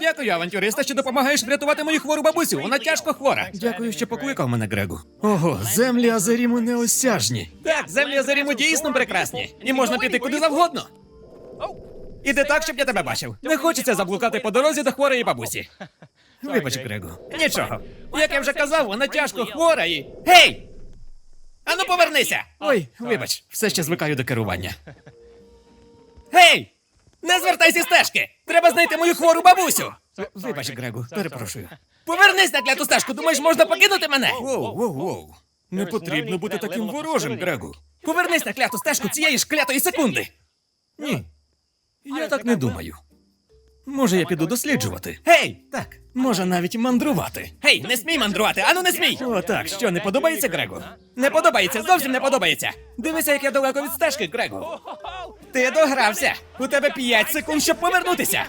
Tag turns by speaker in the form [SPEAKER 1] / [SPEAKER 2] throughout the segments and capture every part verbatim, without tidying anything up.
[SPEAKER 1] Дякую, авантюриста, що допомагаєш врятувати мою хвору бабусю. Вона тяжко хвора. Дякую, що покликав мене, Грегу. Ого, землі Азеріму неосяжні. Так, землі Азеріму дійсно прекрасні. І можна піти куди завгодно. Іди так, щоб я тебе бачив. Не хочеться заблукати по дорозі до хворої бабусі. Вибач, Грегу. Нічого. Як я вже казав, вона тяжко хвора і... Гей! Ану повернися! Ой, вибач, все ще звикаю до керування. Гей! Не звертайся з стежки! Треба знайти мою хвору бабусю! В- Вибач, Грегу, перепрошую. Повернись на кляту стежку, думаєш, можна покинути мене? Воу, воу, воу. Не потрібно бути таким ворожим, Грегу. Повернись на кляту стежку цієї ж клятої секунди. Ні. Я так не думаю. Може, я піду досліджувати. Гей! Так. Може, навіть мандрувати. Гей, не смій мандрувати, ану не смій! О, так, що, не подобається, Грегу? Не подобається, зовсім не подобається. Дивися, як я далеко від стежки, Грегу. Ти догрався. У тебе п'ять секунд, щоб повернутися.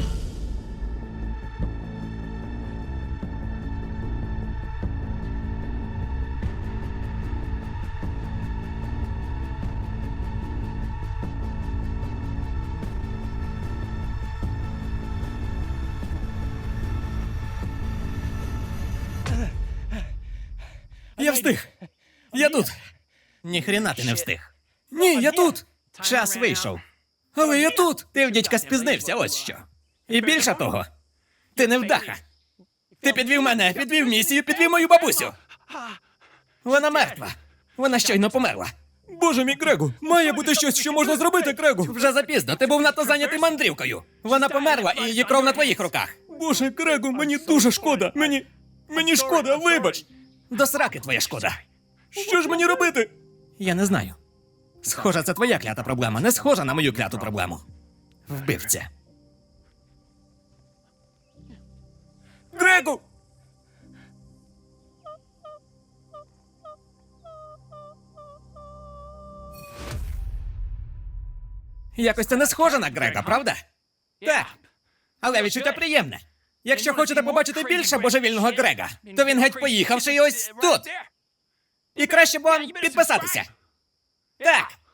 [SPEAKER 1] Я встиг. Я тут. Ніхрена ти не встиг. Ні, я тут. Час вийшов. Але я тут. Ти в дідька спізнився, ось що. І більше того, ти не вдаха. Ти підвів мене, підвів місію, підвів мою бабусю. Вона мертва. Вона щойно померла. Боже мій, Грегу, має бути щось, що можна зробити, Грегу. Вже запізно, ти був надто зайнятий мандрівкою. Вона померла, і її кров на твоїх руках. Боже, Грегу, мені дуже шкода. Мені... мені шкода, вибач. До сраки твоя шкода. Що ж мені робити? Я не знаю. Схоже, це твоя клята проблема, не схожа на мою кляту проблему. Вбивця. Грегу! Якось це не схоже на Грега, правда? Так. Але відчуття приємне. Якщо хочете побачити більше божевільного Грега, то він геть поїхавши і ось тут. І краще б вам підписатися. Так.